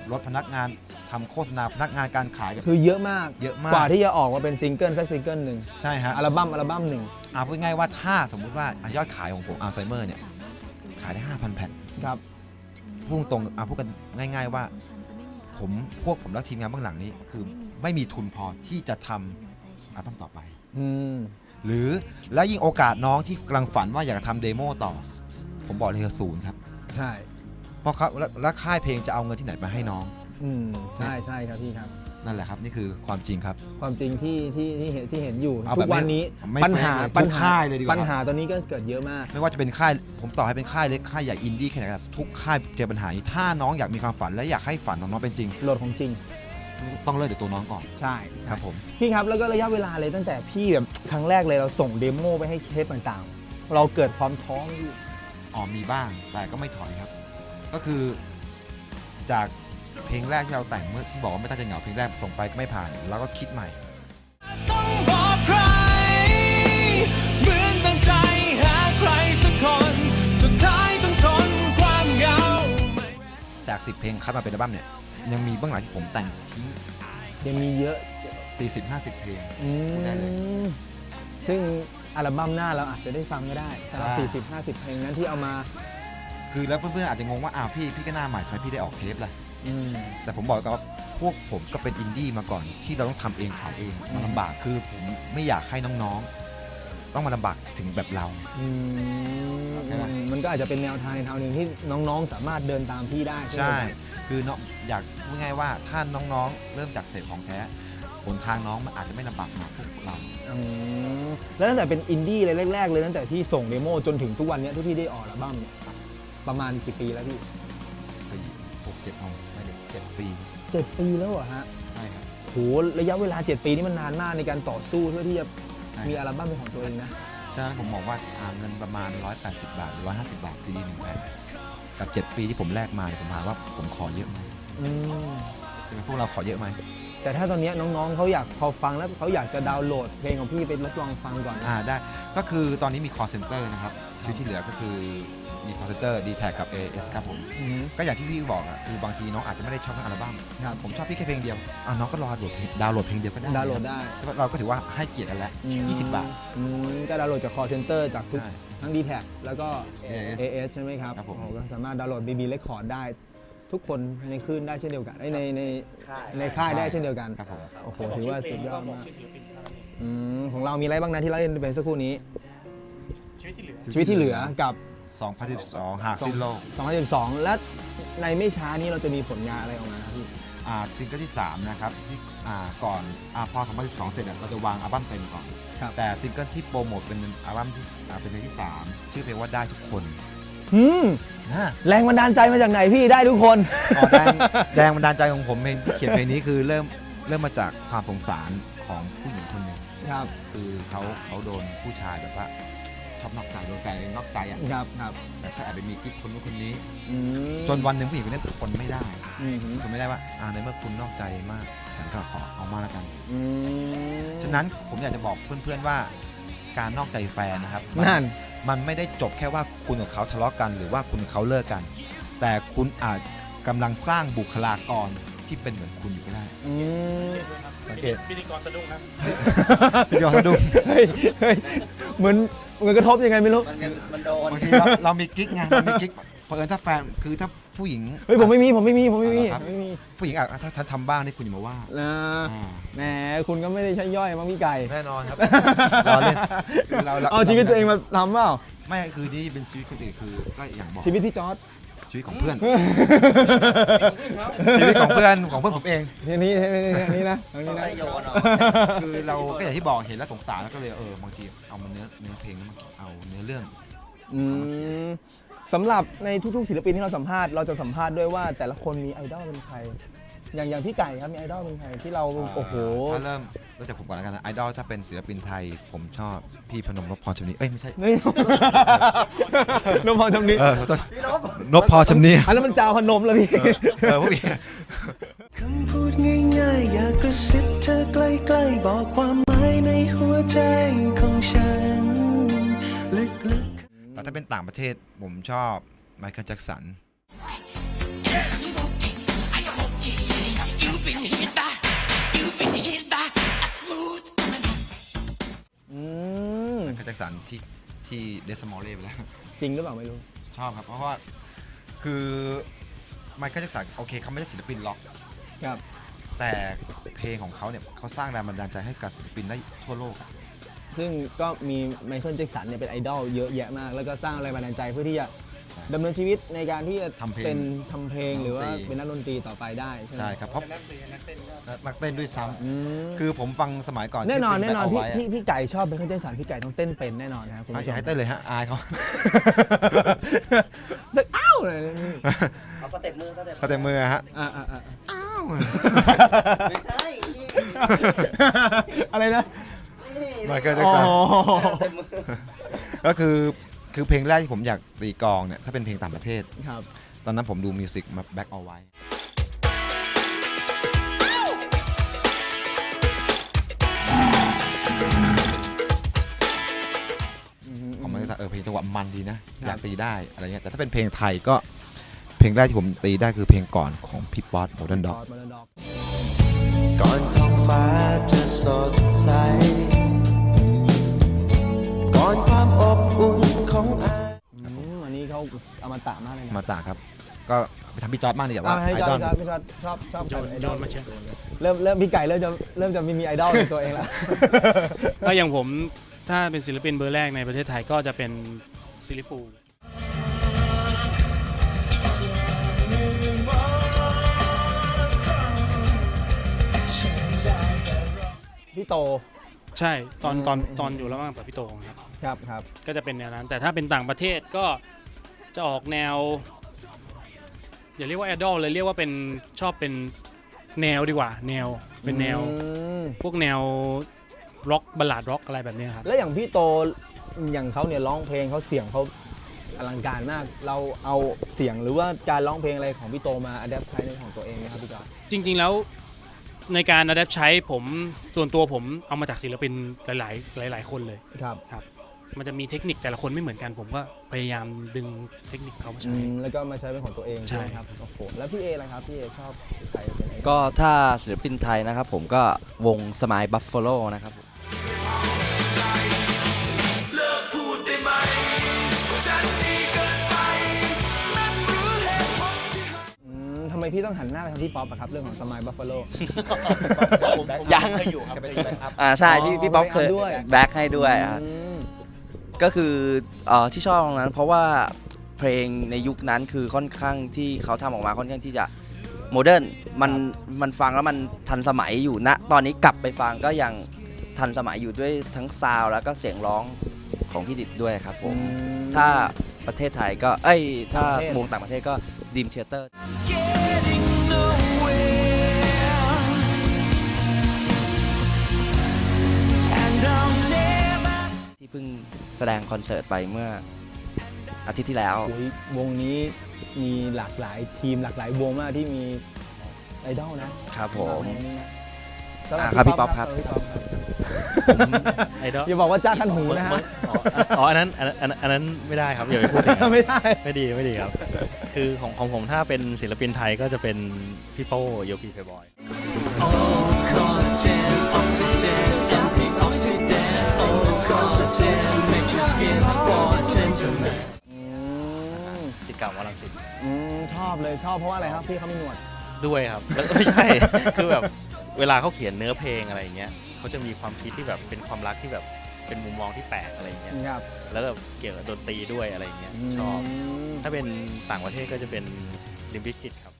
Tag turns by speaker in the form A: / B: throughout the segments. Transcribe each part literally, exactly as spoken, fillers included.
A: รถพนักงานทำโฆษณาพนักงานการขาย
B: คือเยอะมาก
A: เยอะมาก
B: กว่าที่จะออกมาเป็นซิงเกิลสักซิงเกิลหนึ่ง
A: ใช่ฮะ
B: อัลบั้มอัลบั้มหนึ่ง
A: เอาพูดง่ายว่าถ้าสมมุติว่ายอดขายของผมอัลไซเมอร์เนี่ยขายได้ ห้าพัน แผ่น
B: ครับ
A: พูดตรงเอาพูดกันง่ายๆว่าผมพวกผมและทีมงานเบื้องหลังนี้คือไม่มีทุนพอที่จะทำอัลบั้มต่อไปหรือและยิ่งโอกาสน้องที่กำลังฝันว่าอยากทำเดโมต่อผมบอกเลยคือศูนย์ครับ
B: ใช่
A: เพราะเขาและค่ายเพลงจะเอาเงินที่ไหนมาให้น้อง
B: อืมใช่ใช่ครับพี่ครับ
A: นั่นแหละครับนี่คือความจริงครับ
B: ความจริงที่ที่ที่เห็นที่เห็นอยู่ทุกวันนี้ปัญหา
A: ปัญหาเลยดีกว่า
B: ปัญหาตอนนี้ก็เกิดเยอะมาก
A: ไม่ว่าจะเป็นค่ายผมต่อให้เป็นค่ายเล็กค่ายใหญ่อินดี้แค่ไหนก็ทุกค่ายเจอปัญหานี้ถ้าน้องอยากมีความฝันและอยากให้ฝันของน้องเป็นจริง
B: โหลดของจริง
A: ต้องเริ่มจากตัวน้องก่อน
B: ใช่
A: ครับผม
B: พี่ครับแล้วก็ระยะเวลาเลยตั้งแต่พี่แบบครั้งแรกเลยเราส่งเดโมไปให้เทปต่างๆเราเกิดความท้อไหมพี่
A: อ๋อมีบ้างแต่ก็ไม่ถอยครับก็คือจากเพลงแรกที่เราแต่งเมื่อที่บอกว่าไม่ตั้งใจเหงาเพลงแรกส่งไปก็ไม่ผ่านแล้วก็คิดใหม่ต้องบอกใครเหมือนตั้งใจหาใครสักคนสุดท้ายต้องทนความเหงาจากสิบเพลงคัดมาเป็นอัลบั้มเนี่ยยังมีเบื้องหลังที่ผมแต่งทิ้ง
B: ยังมีเยอะ
A: สี่สิบห้าสิบ เพลงได้เลย
B: ซึ่งอัลบั้มหน้าเราอาจจะได้ฟังก็ได้สำหรับสี่สิบ ห้าสิบ เพลงนั้นที่เอามา
A: คือแล้วเพื่อนๆอาจจะงงว่าอ้าวพี่พี่ก็หน้าใหม่ทำไมพี่ได้ออกเทปล่ะแต่ผมบอกกันว่าพวกผมก็เป็นอินดี้มาก่อนที่เราต้องทำเองขายเองมันลำบากคือผมไม่อยากให้น้องๆต้องมาลำบากถึงแบบเรา
B: มันก็อาจจะเป็นแนวทางในทางหนึ่งที่น้องๆสามารถเดินตามพี่ได้
A: ใช่คือเนาะอยากพูดง่ายว่าถ้าน้องๆเริ่มจากเสพของแท้หนทางน้องมันอาจจะไม่ลำบากเหมือนพวกเรา
B: แล้วตั้งแต่เป็นอินดี้เลยแรกๆเลยตั้งแต่ที่ส่งเดโมจนถึงทุกวันนี้ที่พี่ได้ออกอัลบั้มประมาณกี่ปีแล้วพี่
A: สี่หกเจ็ดไม่ได้เจ็ดปี
B: เจ็ดปีแล้วเหรอฮะ
A: ใช่ครับ
B: โหระยะเวลาเจ็ดปีนี่มันนานมากในการต่อสู้เพื่อที่จะมีอัลบั้มเป็นของตัวเองนะ
A: ฉะนั้นผมมองว่าเงินประมาณหนึ่งร้อยแปดสิบบาทหรือหนึ่งร้อยห้าสิบบาทซีดีหนึ่งแผ่นกับเจ็ดปีที่ผมแลกมาผมถามว่าผมขอเยอะไหมใช่ไหมพวกเราขอเยอะไหม
B: แต่ถ้าตอนนี้น้องๆเขาอยากพอฟังแล้วเขาอยากจะดาวน์โหลดเพลงของพี่ไปทดลองฟังก่อน
A: อ่าได้ก็คือตอนนี้มี call center นะครับที่เหลือก็คือมี call center ดี แท็ก กับ เอ เอส ครับผมก็อย่างที่พี่บอกอ่ะคือบางทีน้องอาจจะไม่ได้ชอบทั้งอัลบั้มผมชอบพี่แค่เพลงเดียวอ่ะน้องก็รอดาวน์โหลดเพลงเดียวก็ได้
B: ดาวน์โหลดได้
A: เราก็ถือว่าให้เกียรติกันแล้วยี่สิบบาท
B: ก็ดาวน์โหลดจาก call center จากทุกทั้ง ดี แท็ก แล้วก็ เอ เอส ใช่ไหมครับก็สามารถดาวน์โหลด บี บี Record ได้ทุกคนในคลื่นได้เช่นเดียวกันในในในค่ายได้เช่นเดียวกันโอ้โหถือว่าสุดยอดมากของเรามีอะไรบ้างนะที่เราเล่นเป็นสักครู่นี้ชีวิตที่เหลือกับ
A: สองพันสิบสองหากสิ้นโลก
B: สองพันสิบสองและในไม่ช้านี้เราจะมีผลงานอะไรออกมาครับพี่
A: อ่าซิงเกิลที่สามนะครับที่อ่าก่อนอ่าพอสองพันสิบสองเสร็จเราจะวางอัลบั้มเต็มก่อนแต่ซิงเกิลที่โปรโมทเป็นอัลบั้มที่อ่าเป็นเพลงที่สามชื่อเพลงว่าได้ทุกคน
B: อืมแรงบันดาลใจมาจากไหนพี่ได้ทุกคน
A: แรงบันดาลใจของผมเองที่เขียนเพลงนี้คือเริ่มเริ่มมาจากความสงสารของผู้หญิงคนหนึ่ง
B: ครับ
A: คือเขาเขาโดนผู้ชายแบบว่าชอบนอกใจโดนแฟนนอกใจอ่ะ
B: ครับครับ
A: แต่ถ้าแอบไปมีกิ๊กคนนู้นคนนี้จนวันหนึ่งผู้หญิงคนนี้ทนไม่ได้ทนไม่ได้ว่าอ่าในเมื่อคุณนอกใจมากฉันก็ขอเอามาแล้วกันฉะนั้นผมอยากจะบอกเพื่อนๆว่าการนอกใจแฟนนะครับ
B: นั่น
A: มันไม่ได้จบแค่ว่าคุณกับเขาทะเลาะกันหรือว่าคุณกับเขาเลิกกันแต่คุณอาจกำลังสร้างบุคลากรที่เป็นเหมือนคุณอยู่ก็ได้
C: สังเกตพิธีกรสะดุ้งนะ
A: พิธีกรสะดุ้ง
B: เหมือนเหมือนกระทบยังไงไม่รู้
C: มันโดน
A: บางทีเราเรามีกิ๊กไงเรามีกิ๊กเพราะเอิญถ้าแฟนคือถ้าผู้หญิง
B: เฮ้ยผมไม่มีผมไม่มีผมไม่มี
A: ไม่มีผู้หญิงอ่ะถ้าฉันทำบ้างนี่คุณอย่ามาว่า
B: นะแหมคุณก็ไม่ได้ใช้ย่อยมั้งพี่ไก่
A: แน่นอนครับรอเล่น
B: เราเอาชีวิตตัวเองมาทำเปล่า
A: ไม่คือนี่เป็นชีวิตคนอื่นคือก็อย่างบอก
B: ชีวิตพี่จอร์จ
A: ชีวิตของเพื่อนชีวิตของเพื่อนของเพื่อนผมเอง
B: ทีนี้นี้นะตรงนี้นะ
A: คือเราก็อย่างที่บอกเห็นแล้วสงสารแล้วก็เลยเออบางทีเอามาเนื้อเนื้อเพลงแล้วมาเอาเนื้อเรื่อง
B: สำหรับในทุกๆศิลปินที่เราสัมภาษณ์เราจะสัมภาษณ์ด้วยว่าแต่ละคนมีไอดอลเป็นใครอย่างอย่างพี่ไก่ครับมีไอดอลเป็นใครที่เราโอ้โห
A: ถ้าเริ่มเริ่มจากผมก่อนแล้วกันนะไอดอลถ้าเป็นศิลปินไทยผมชอบพี่พนมนพพรชำนิเอ้ยไม่ใช่
B: นพพรชำนิ
A: เออนพพรชำนิ
B: อันนั้นมันจาวพนมแล้วพี่
A: เออพวกพี่
D: คำพูดง่ายๆอยากกระซิบเธอใกล้ๆบอกความหมายในหัวใจของฉันลึกๆ
A: แต่ถ้าเป็นต่างประเทศผมชอบไมเคิลแจ็คสันคสันที่ที่เดสมอลเล่ไปแล้ว
B: จริงหรือเปล่าไม่รู้
A: ชอบครับเพราะว่าคือไมเคิลแจ็คสันโอเคเขาไม่ใช่ศิลปินล็อก
B: ครับ
A: แต่เพลงของเขาเนี่ยเขาสร้างแรงบันดาลใจให้กับศิลปินได้ทั่วโลกอะ
B: ซึ่งก็มีไมเคิลแจ็คสันเนี่ยเป็นไอดอลเยอะแยะมากแล้วก็สร้างแรงบันดาลใจเพื่อที่จะดำเนินชีวิตในการที่จะ
A: ทำเพลง
B: เป็นทำเพลงหรือว่า
A: ดนตรี
B: เป็นนักดนตรีต่อไปได้ใช่ไหม
A: ใช่ครับเพราะ
C: นักเรียนนักเต้นก็
A: นักเต้นด้วยซ้
B: อืม
A: ำคือผมฟังสมัยก่อน
B: แน่นอน
A: ชื่
B: แน่นอน
A: เพล
B: พี่
A: ง Back All
B: พี่
A: White
B: พี่ไก่ชอบไมเคิลแจ็คสันพี่ไก่ต้องเต้นเป็นแน่นอนนะครับคุณ
A: อะ
B: ผู้
A: อ
B: ช
A: ย่ามให้เต้นเลยฮะอายเขา
B: จะอ้าวเลยนี่
E: เอาสเต็ปมือสเต็ป
A: เขาแต่มือฮะ
B: อ่าอ่าอ่า
A: อ้าว
E: ไม่ใช่นี่
B: อะไรนะ
E: นี่
A: ไมเคิลแจ็คสัน
B: อ๋อ
E: สเต็ปมือ
A: ก็คือคือเพลงแรกที่ผมอยากตีกลองเนี่ยถ้าเป็นเพลงต่างประเทศ
B: ครับ
A: ตอนนั้นผมดูมิวสิกมา Back All White ของมันจะเออเพลงจังหวะมันดีนะ อยากตีได้อะไรเงี้ยแต่ถ้าเป็นเพลงไทยก็เพลงแรกที่ผมตีได้คือเพลงก่อนของพี่ป๊อตโมเดิร์นด็อก
B: Modern Dog
D: ก่อนท้องฟ้าจะสดใส ก่อนความอบอุ่นของอา
B: อืมอันนี้เขาอมตะมากเลยนะ
A: มาตาครับ ก็ไปทำพี่จอร์ดบ้างดีกว่า
B: อ่าให้
A: ไอ
B: จ
A: ด
B: อ
A: อ
B: ร์
A: ล
B: ดพี่จอร์ดชอบชอบ
C: โยน
B: ไอ
C: โย
B: ดอล
C: นมาเชียร์
B: เริ่มเริ่มพี่ไก่เริ่มจะเริ่มจะมีไอดอลในตัวเองแล้ว
C: ก็อย่างผมถ้าเป็นศิลปินเบอร์แรกในประเทศไทยก็จะเป็นซิลิฟู
B: พี่โต
C: ใช่ตอนตอน
B: อืม
C: ตอนอยู่ระหว่างกับพี่โตครับ
B: ครับครับ
C: ก็จะเป็นแนวนั้น แต่ถ้าเป็นต่างประเทศก็จะออกแนว อย่าเรียกว่าไอดอลเลยเรียกว่าเป็นชอบเป็นแนวดีกว่า แนวเป็นแนว
B: อืม
C: พวกแนวร็อกบัลลาดร็อกอะไรแบบเนี้ยครับ
B: แล้วอย่างพี่โตอย่างเขาเนี่ยร้องเพลงเขาเสียงเขาอลังการมาก เราเอาเสียงหรือว่าการร้องเพลงอะไรของพี่โตมาอัดแอปใช้ในของตัวเองไหมครับพี่จอร์ด
C: จริง ๆ แล้วในการอัดแอปใช้ผมส่วนตัวผมเอามาจากศิลปินหลาย ๆ หลาย ๆ คนเลย
B: ครับ
C: มันจะมีเทคนิคแต่ละคนไม่เหมือนกัน ผมก็พยายามดึงเทคนิคเขามา
B: อื
C: ใช้
B: มแล้วก็มาใช้เป็นของตัวเอง
C: ใช่
B: ใช่ไหมครับโอ้โหแล้วพี่เอล่ะครับพี่เอชอบใครเป็นไอดอล
E: ก็ถ้าศิลปินไทยนะครับผมก็วงสมายบัฟฟาโลนะครับ
B: อืมทำไมพี่ต้องหันหน้าไปทางพี่ป๊อปอะครับเรื่องของสมายบัฟฟาโล
E: ยังเคยอยู่ครับอ่าใช่ที่พี่ป๊อปเคย
B: ด้วย
E: แบ็คให้ด้วยครับก็คือเอ่อที่ชอบตรงนั้น เพราะว่าเพลงในยุคนั้นคือค่อนข้างที่เขาทำออกมาค่อนข้างที่จะโมเดิร์นมันมันฟังแล้วมันทันสมัยอยู่ณตอนนี้กลับไปฟังก็ยังทันสมัยอยู่ด้วยทั้งซาวด์แล้วก็เสียงร้องของพี่ดิบด้วยครับผม ถ้าประเทศไทยก็เอ้ยถ้าวงต่างประเทศก็ดีมเทเตอร์ที่เพิ่งแสดงคอนเสิร์ตไปเมื่ออาทิตย์ที่แล้ว
B: โอ้ยวงนี้มีหลากหลายทีมหลากหลายวงมากที่มีไอดอลนะครับ
E: ผม
B: วงนี้นะ
E: อ่าครับพี่ป๊อปครับ
B: สำหพี่ป๊อปครับ
F: ไอดอล
B: อย่าบอกว่าจ้าคันหูนะฮะ
F: อ๋ออ๋ออันนั้นอันนั้นอันนั้นอันนั้นไม่ได้ครับอย่าไปพูดถึงครับ
B: ไม่ได้
F: ไม่ดีไม่ดีครับ คือของของผมถ้าเป็นศิลปินไทยก็จะเป็นพี่โป้โยกีเพย์บอย
B: อืม
F: สิทธิ์เก่าวารังสิต
B: อืมชอบเลยชอบเพราะว่าอะไรครับพี่เขามีหนวด
F: ด้วยครับแล้วไม่ใช่ คือแบบเวลาเขาเขียนเนื้อเพลงอะไรอย่างเงี้ยเขาจะมีความคิดที่แบบเป็นความรักที่แบบเป็นมุมมองที่แปลกอะไรอย่างเงี้ย
B: ครับ
F: แล้วก็เกี่ยวกับดนตรีด้วยอะไรอย่างเงี้ยชอบ
B: ม
F: ถ้าเป็นต่างประเทศก็จะเป็นลิมบิสกิตครับ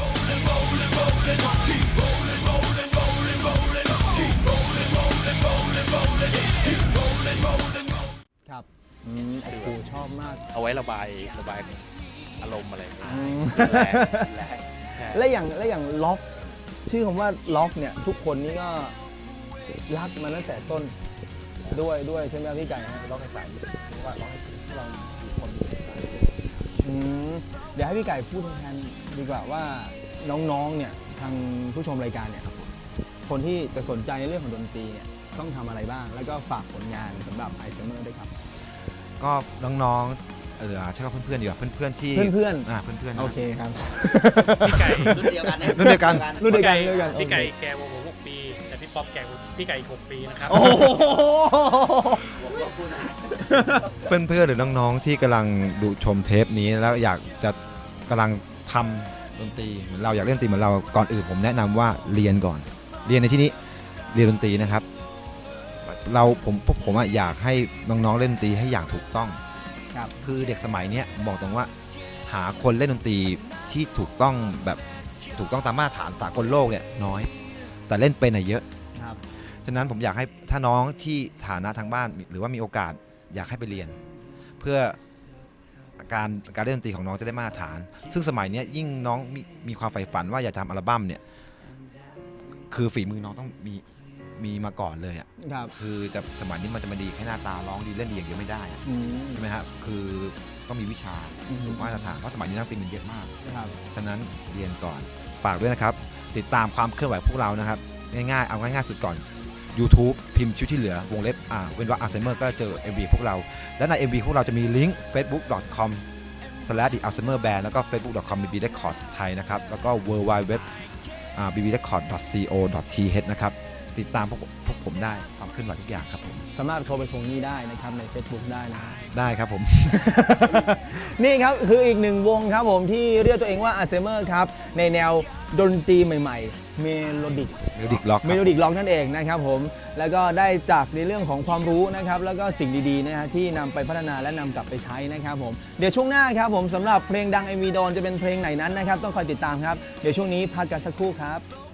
B: ครับอืมโอ้โหชอบมาก
F: เอาไว้ระบายระบายอารมณ์อะไรอย่างเงี้ย
B: อืม
F: แรงแรง
B: และอย่างและอย่างล็อกชื่อคำว่าล็อกเนี่ยทุกคนนี่ก็รักมาตั้งแต่ต้นด้วยด้วยใช่ไหมครับพี่ไก่ฮะล็อกให้ใส่ว่าล็อกให้เราอยู่คนอืมเดี๋ยวให้พี่ไก่พูดแทนดีกว่าว่าน้องๆเนี่ยทางผู้ชมรายการเนี่ยครับคนที่จะสนใจในเรื่องของดนตรีเนี่ยต้องทำอะไรบ้าง แล้วก็ฝากผลงานสำหรับไอเซเมอร์ด้วยครับ
A: ก็น้องๆเออใช่ว่าเพื่อนๆดีกว่าเพื่อนๆที่
B: เพื่อนๆ
A: อ่าเพื่อนๆนะ
B: โอเคครับ
C: พี่ไก่
E: รุ่นเดียวกัน
A: รุ่นเดียวกัน
B: รุ่นเดียวกันรุ่นเดียวกัน
C: พี่ไก่
B: โอเค
C: แกวงผมหกปี แต่พี่ป๊อปป๊อปแก่กว่าพี่ไก่อีกหกปีนะครับ
B: โอ้โห
A: เพื่อนๆหรือน้องๆที่กำลังดูชมเทปนี้แล้วอยากจะกำลังทำดนตรีเหมือนเราอยากเล่นดนตรีเหมือนเราก่อนอื่นผมแนะนำว่าเรียนก่อน เรียนในที่นี้เรียนดนตรีนะครับเราผมพวกผมอะอยากให้น้องๆเล่นดนตรีให้อย่างถูกต้อง
B: ครับ
A: คือเด็กสมัยนี้บอกตรงว่าหาคนเล่นดนตรีที่ถูกต้องแบบถูกต้องตามมาตรฐานสากลโลกเนี่ยน้อย แต่เล่นเป็นอะเยอะ
B: ครับ
A: ฉะนั้นผมอยากให้ถ้าน้องที่ฐานะทางบ้านหรือว่ามีโอกาสอยากให้ไปเรียน เพื่อการการเล่นดนตรีของน้องจะได้มาตรฐาน ซึ่งสมัยนี้ยิ่งน้องมีมีความใฝ่ฝันว่าอยากจะทำอัลบั้มเนี่ยคือฝีมือน้องต้องมีมีมาก่อนเลยอ่ะ
B: ครับ
A: คือจะสมัยนี้มันจะมาดีแค่หน้าตาร้องดีเล่นดีอย่างเดียวไม่ได้อะ
B: อืม
A: ใช่ไหมครับคือต้องมีวิชา
B: อืม
A: ถูกมาตรฐานเพราะสมัยนี้นักดนตรีมันเยอะมาก
B: ครับ
A: ฉะนั้นเรียนก่อนฝากด้วยนะครับติดตามความเคลื่อนไหวพวกเรานะครับง่ายๆเอาง่ายๆสุดก่อน YouTube พิมพ์ชุดที่เหลือวงเล็บอ่าเว้นวรรคอัลไซเมอร์ก็เจอ เอ็ม วี พวกเราและใน เอ็ม วี พวกเราจะมีลิงก์ เฟซบุ๊ก ดอท คอม สแลช the alzheimer band แล้วก็ เฟซบุ๊ก ดอท คอม บี บี record ไทยนะครับแล้วก็ ดับเบิลยู ดับเบิลยู ดับเบิลยู ดอท บี บี record ดอท ซี โอ ดอท ที เอช นะครับติดตามพวกพวกผมได้ความเคลื่อนไหวทุกอย่างครับผม
B: สามารถโทรไปทวงหนี้ได้นะครับใน Facebook ได้นะ
A: ได้ครับผม
B: นี่ครับคืออีกหนึ่งวงครับผมที่เรียกตัวเองว่า Alzheimer ครับในแนวดนตรีใหม่ๆเมโลดิก
A: Melodic Rock ครับ
B: เมโลดิกล็อกนั่นเองนะครับผมแล้วก็ได้จากในเรื่องของความรู้นะครับแล้วก็สิ่งดีๆนะฮะที่นำไปพัฒนาและนำกลับไปใช้นะครับผมเดี๋ยวช่วงหน้าครับผมสำหรับเพลงดัง เอ็ม วี โดนจะเป็นเพลงไหนนั้นนะครับต้องคอยติดตามครับเดี๋ยวช่วงนี้พักกันสักครู่ครับ